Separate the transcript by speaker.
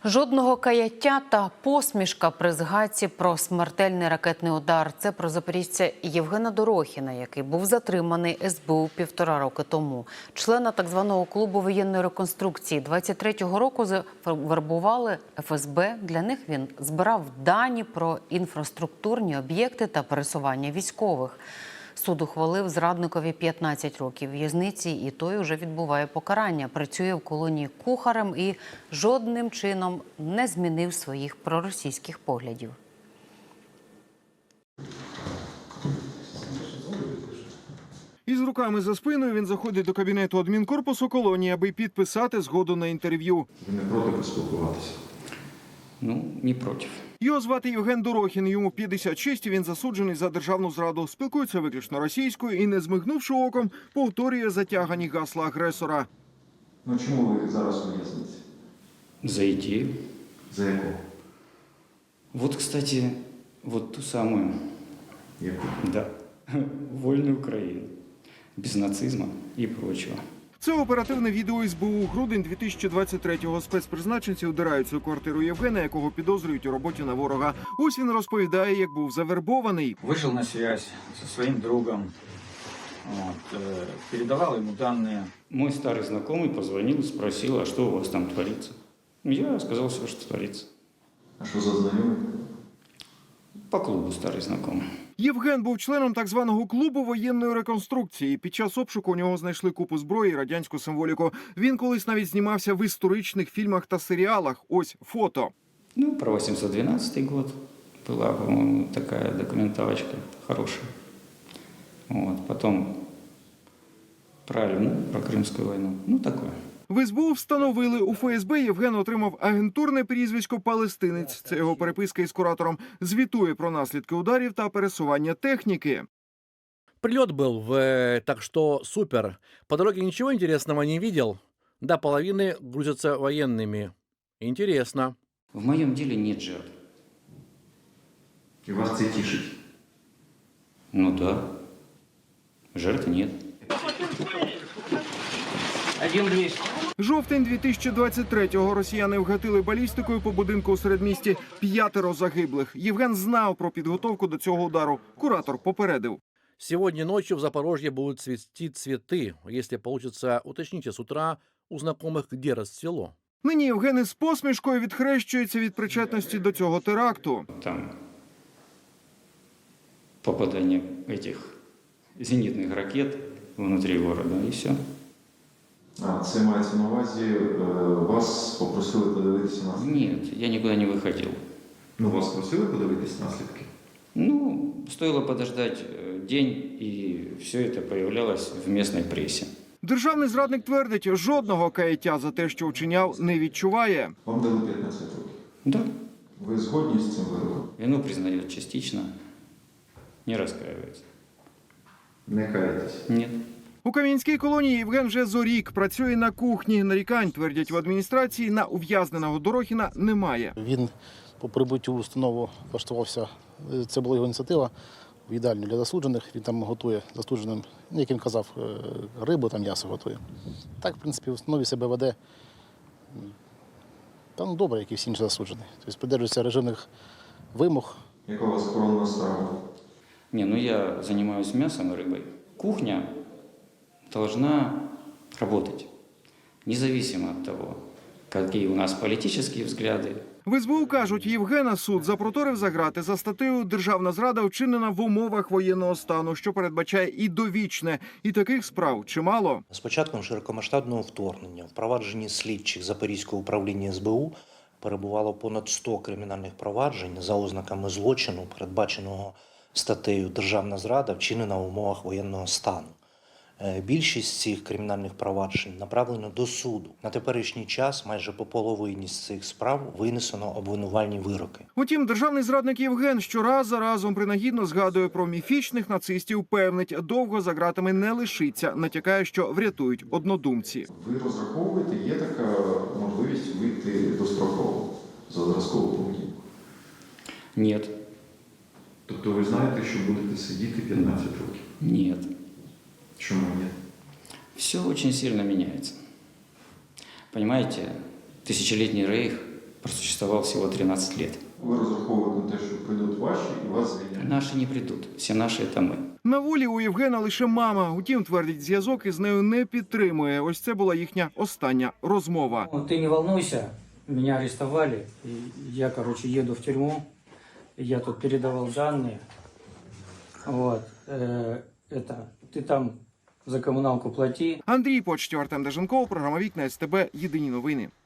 Speaker 1: Жодного каяття та посмішка при згадці про смертельний ракетний удар. Це про запоріжця Євгена Дорохіна, який був затриманий СБУ 1,5 роки тому. Члена так званого клубу воєнної реконструкції 23-го року завербували ФСБ. Для них він збирав дані про інфраструктурні об'єкти та пересування військових. Суд ухвалив зрадникові 15 років в'язниці, і той уже відбуває покарання. Працює в колонії кухарем і жодним чином не змінив своїх проросійських поглядів.
Speaker 2: Із руками за спиною він заходить до кабінету адмінкорпусу колонії, аби підписати згоду на інтерв'ю.
Speaker 3: Ви не проти поспілкуватися?
Speaker 4: Ну, не проти.
Speaker 2: Його звати Євген Дорохін, йому 56, і він засуджений за державну зраду. Спілкується виключно російською і, не змигнувши оком, повторює затягані гасла агресора.
Speaker 3: Ну чому ви зараз у в'язниці?
Speaker 4: За идею.
Speaker 3: За яку?
Speaker 4: Вот, кстати, вот ту самую,
Speaker 3: Яку?
Speaker 4: да, вольную Украину. Без нацизма и прочего.
Speaker 2: Це оперативне відео СБУ. Грудень 2023-го. Спецпризначенці удираються у квартиру Євгена, якого підозрюють у роботі на ворога. Ось він розповідає, як був завербований.
Speaker 5: Вышел на связь со своим другом, передавал ему данные.
Speaker 4: Мой старый знакомый позвонил и спросил, а что у вас там творится? Я сказал все, что творится.
Speaker 3: А що за знайомий?
Speaker 4: По клубу старый знакомый.
Speaker 2: Євген був членом так званого клубу воєнної реконструкції. Під час обшуку у нього знайшли купу зброї і радянську символіку. Він колись навіть знімався в історичних фільмах та серіалах. Ось фото.
Speaker 4: Ну, про 812 год была, по-моему, такая документалочка хорошая. Вот. Потом про Альму, про Крымскую войну. Ну, такое.
Speaker 2: В СБУ встановили, у ФСБ Євген отримав агентурне прізвисько «Палестинець». Це його переписка із куратором. Звітує про наслідки ударів та пересування техніки.
Speaker 6: Прилет был, так что супер. По дороге ничего интересного не видел. До половины грузятся военными. Интересно.
Speaker 4: В моем деле нет жертв.
Speaker 3: І вас це тішить?
Speaker 4: Ну да. Жертв нет.
Speaker 2: Жовтень 2023-го. Росіяни вгатили балістикою по будинку у середмісті. 5 загиблих. Євген знав про підготовку до цього удару. Куратор попередив.
Speaker 6: Сегодня ночью в Запорожье будут цвести цветы. Если получится, уточните с утра у знакомых, где расцвело.
Speaker 2: Нині Євген із посмішкою відхрещується від причетності до цього теракту.
Speaker 4: Там попадание этих зенитных ракет внутри города, и все.
Speaker 3: А, це мається на увазі, вас попросили подивитися наслідки?
Speaker 4: Нет, я никуда не выходил.
Speaker 3: Ну, вас просили подивитися наслідки?
Speaker 4: Ну, стоило подождать день, и все это появлялось в местной прессе.
Speaker 2: Державний зрадник твердить, жодного каяття за те, що вчиняв, не відчуває.
Speaker 3: Вам дали 15 років.
Speaker 4: Да.
Speaker 3: Ви згодні з цим виробом?
Speaker 4: Вину признает частично, не раскаивается.
Speaker 3: Не каєтесь?
Speaker 4: Нет.
Speaker 2: У Кам'янській колонії Євген вже зорік. Працює на кухні. Нарікань, твердять в адміністрації, на ув'язненого Дорохіна немає.
Speaker 7: Він по прибуттю в установу влаштувався, це була його ініціатива, в їдальню для засуджених. Він там готує засудженим, як він казав, рибу, там м'ясо готує. Так, в принципі, в установі себе веде там добре, як і всі інші засуджені. Тобто придержується режимних вимог.
Speaker 3: Яка у вас коронна страва?
Speaker 4: Не, ну я занимаюсь мясом и рыбой. Кухня должна работать, независимо от того, какие у нас политические взгляды.
Speaker 2: В СБУ кажуть, Євгена суд запроторив за грати за статтею «Державна зрада вчинена в умовах воєнного стану», що передбачає і довічне. І таких справ чимало.
Speaker 8: З початком широкомасштабного вторгнення в провадженні слідчих Запорізького управління СБУ перебувало понад 100 кримінальних проваджень за ознаками злочину, передбаченого статтею «Державна зрада вчинена в умовах воєнного стану». Більшість цих кримінальних проваджень направлено до суду. На теперішній час майже по половині з цих справ винесено обвинувальні вироки.
Speaker 2: Утім, державний зрадник Євген щораз за разом принагідно згадує про міфічних нацистів, певнить, довго за ґратами не лишиться, натякає, що врятують однодумці.
Speaker 3: Ви розраховуєте, є така можливість вийти достроково за зразкову поведінку?
Speaker 4: Нет.
Speaker 3: Тобто ви знаєте, що будете сидіти 15 років?
Speaker 4: Нет.
Speaker 3: Чому ні?
Speaker 4: Все очень сильно меняется. Понимаете, тысячелетний рейх просуществовал всего 13 лет.
Speaker 3: Ви розраховуєте на те, що прийдуть ваші і вас звільнять?
Speaker 4: Наши не придут, все наши это мы.
Speaker 2: На волі у Євгена лише мама. Утім, твердить, зв'язок із нею не підтримує. Ось це була їхня остання розмова.
Speaker 9: Ты не волнуйся, меня арестовали, и я, еду в тюрьму, я тут передавал данные, вот, ты там за коммуналку плати.
Speaker 2: Андрій Почтів, Артем Деженков, програма «Вікна СТБ», єдині новини.